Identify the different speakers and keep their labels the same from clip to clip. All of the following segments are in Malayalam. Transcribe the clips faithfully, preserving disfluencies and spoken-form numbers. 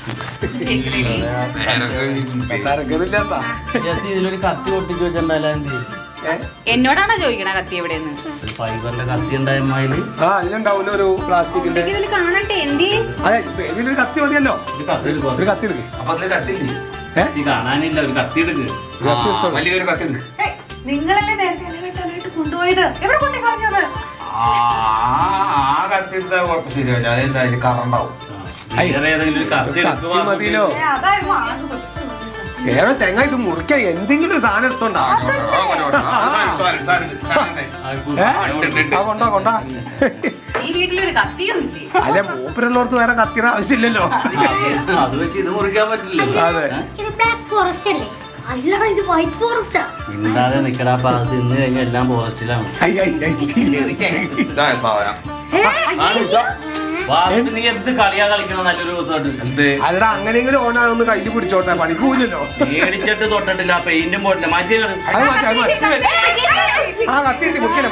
Speaker 1: ഇതിലൊരു കത്തി ഒട്ടിച്ച് വെച്ചിട്ടുണ്ടല്ലോ എന്ത്
Speaker 2: എന്നോടാണോ ചോദിക്കണ കത്തി എവിടെയെന്ന്?
Speaker 1: ഫൈബറിന്റെ കത്തി ഉണ്ടായമാതിരി
Speaker 3: ഇതിലുണ്ടാവില്ല ഒരു പ്ലാസ്റ്റിക്കിന്റെ.
Speaker 2: ഇതിൽ കാണട്ടെ എന്തി
Speaker 3: അതെ ഇതിലൊരു കത്തി മതിയല്ലോ. ഒരു കത്തി എടുക്ക്.
Speaker 1: കാണാനില്ല, ഒരു കത്തി എടുക്ക്.
Speaker 4: വലിയൊരു കത്തി ഉണ്ട്.
Speaker 2: നിങ്ങളല്ലേ നേരത്തെ വെട്ടാനായിട്ട് കൊണ്ടുപോയത്? എവിടെ കൊണ്ടു കളഞ്ഞത്?
Speaker 4: ആ കത്തി എടുത്താൽ കുഴപ്പം ശരിയാവില്ല. അതെന്തായാലും കറണ്ടാവും.
Speaker 1: ഏതെങ്കിലും ഒരു കത്തി എടുക്കുക
Speaker 3: മതിയല്ലോ. ഏറെ തെങ്ങ ഇത് മുറിക്കാൻ എന്തെങ്കിലും സാധനം എടുത്തോണ്ടാ. കൊണ്ടാ കൊണ്ടാ
Speaker 2: ഈ വീട്ടിലൊരു കത്തിയും
Speaker 3: അല്ലെ മൂപ്പരുള്ളവർക്ക് വേറെ കത്തിയുടെ ആവശ്യമില്ലല്ലോ.
Speaker 1: അത് വെച്ച് ഇത് മുറിക്കാൻ പറ്റില്ലല്ലോ.
Speaker 3: അതെ
Speaker 1: മിണ്ടാതെ നിക്കടാ. പാസ് ഇന്ന് കഴിഞ്ഞ എല്ലാം ഫോറസ്റ്റിലാണ്. നീ എന്ത് കളിയാ കളിക്കണം? നല്ലൊരു ദിവസമായിട്ട്
Speaker 3: അല്ലടാ അങ്ങനെയെങ്കിലും ഓനാന്ന് കയ്യിൽ പിടിച്ചോട്ടെ, പണിക്കൂലല്ലോ.
Speaker 1: മേടിച്ചിട്ട് തൊട്ടിട്ടില്ല, പെയിന്റും പോട്ടില്ല. മാറ്റി
Speaker 3: ആ കത്തി മുറിക്കല്ലേ.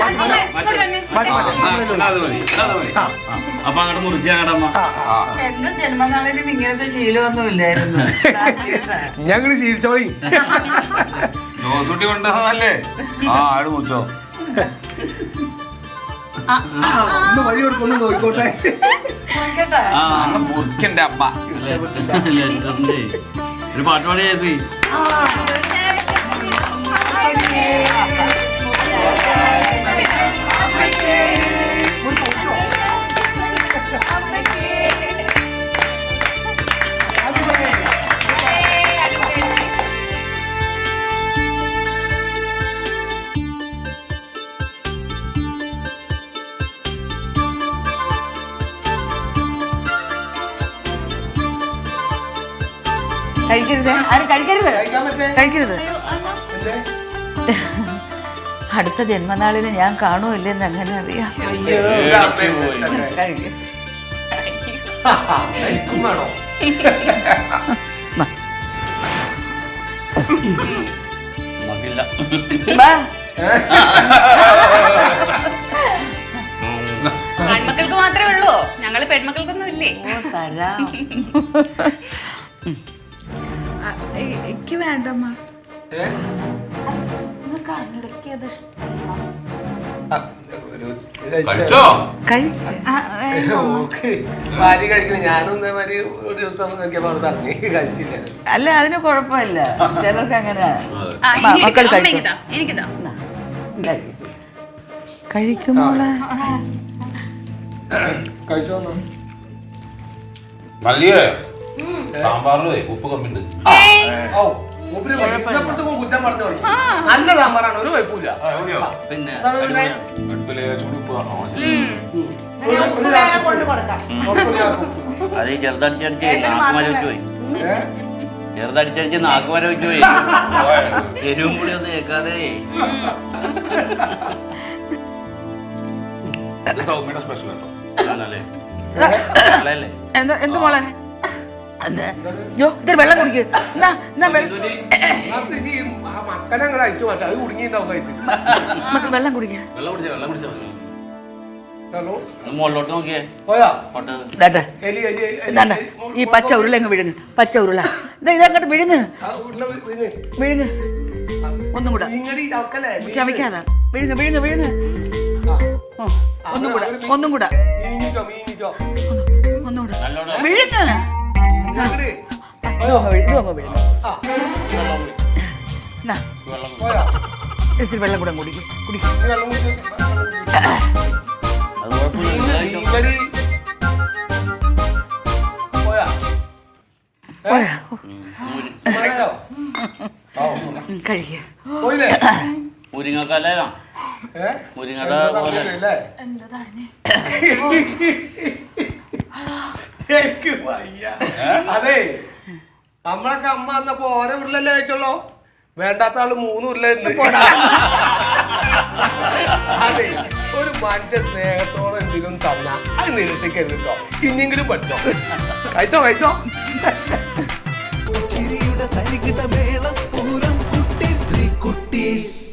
Speaker 1: അപ്പൊ അങ്ങോട്ട് മുറിച്ച് ഞങ്ങടമ്മ.
Speaker 5: എന്റെ ജന്മനാളിന് ഇങ്ങനത്തെ ശീലമൊന്നും ഇല്ലായിരുന്നു.
Speaker 3: ഞങ്ങള് ശീലിച്ചോളി.
Speaker 4: ജോസൂട്ടി കൊണ്ടുവന്നല്ലേ? ആ ആട് മുറിച്ചോ.
Speaker 3: ഒന്ന് വഴി കൊടുക്കൊന്ന് നോക്കിക്കോട്ടെ.
Speaker 4: മുറിക്കന്റെ അമ്മ
Speaker 1: ഒരു പാട്ട് പാടി ചേച്ചി.
Speaker 5: കഴിക്കരുത്, ആരും കഴിക്കരുത്, കഴിക്കരുത്. അടുത്ത ജന്മനാളിന് ഞാൻ കാണുമല്ലെന്ന് എങ്ങനെ അറിയാം? കഴിക്കും.
Speaker 2: ആൺമക്കൾക്ക് മാത്രമേ ഉള്ളൂ, ഞങ്ങള് പെൺമക്കൾക്കൊന്നും ഇല്ലേ?
Speaker 5: തരാം. എനിക്ക് വേണ്ടമ്മ.
Speaker 3: ഭാര്യ കഴിക്കണ ഞാനും ഇതേമാതിരി ഒരു ദിവസം നോക്കിയപ്പോ അവിടെ തറങ്ങി കഴിച്ചില്ല.
Speaker 5: അല്ല അതിന് കുഴപ്പമില്ല, ചിലർക്ക് അങ്ങനെ.
Speaker 2: മക്കൾ എനിക്കിതാ
Speaker 5: കഴിക്കുമോളെ
Speaker 3: കഴിച്ചോ.
Speaker 4: നല്ല സാമ്പാറിലേ ഉപ്പ് കമ്മിണ്ട്.
Speaker 3: കുറ്റം പറഞ്ഞു തുടങ്ങി. നല്ല സാമ്പാറാണ്, ഒരു കുഴപ്പമില്ല.
Speaker 1: പിന്നെ അത് ചെറുതടിച്ചടിച്ച് നാക്കുമര വെച്ച് പോയി. ചെറുതടിച്ചടിച്ച് നാക്കുമര വെച്ച് പോയി. എരിവും കൂടി ഒന്നും കേൾക്കാതെ.
Speaker 4: സൗമ്യയുടെ സ്പെഷ്യൽ കേട്ടോ.
Speaker 5: എന്താ എന്ത് മോളെ? യോ ഇതൊരു വെള്ളം കുടിക്ക്.
Speaker 3: മക്കനെ അങ്ങോട്ട് അയച്ചു മാറ്റാം, അത് കുടുങ്ങിണ്ടാവും കഴിച്ച്.
Speaker 5: മക്കൾ വെള്ളം കുടിക്ക.
Speaker 1: മുകളിലോട്ട് നോക്കിയേ.
Speaker 5: ഈ പച്ച ഉരുള അങ്ങ് വിഴുങ്ങ്, പച്ച ഉരുള ഇതങ്ങോട്ട് വിഴുങ്ങ് വിഴുങ്ങ്. ഒന്നും കൂടെ ചവയ്ക്കാതാ. വിഴുങ്ങ് വിഴുങ്ങ് വിഴുങ്ങ്. ഒന്നും കൂടെ ഒന്നും കൂടെ ഒന്നുകൂടെ വിഴുങ്ങ്. ഇച്ചിരി വെള്ളം കൂടെ കുടിക്കും കുടിക്കും. കഴിക്കുക.
Speaker 1: മുരിങ്ങക്കല്ല മുരിങ്ങയുടെ പോലെ
Speaker 3: അതെ നമ്മളൊക്കെ അമ്മ വന്നപ്പോ ഓരോ ഉരുളല്ലേ കഴിച്ചോളൂ, വേണ്ടാത്ത ആള് മൂന്ന് ഉരുള. അതെ ഒരു മനുഷ്യ സ്നേഹത്തോടെ എന്തെങ്കിലും തന്നാ അത് നിരസിക്കരുത് കേട്ടോ. ഇനിയെങ്കിലും പഠിച്ചോ. കഴിച്ചോ കഴിച്ചോ. ചിരിയുടെ തരികിട മേളം പൂരം കുട്ടീസ്.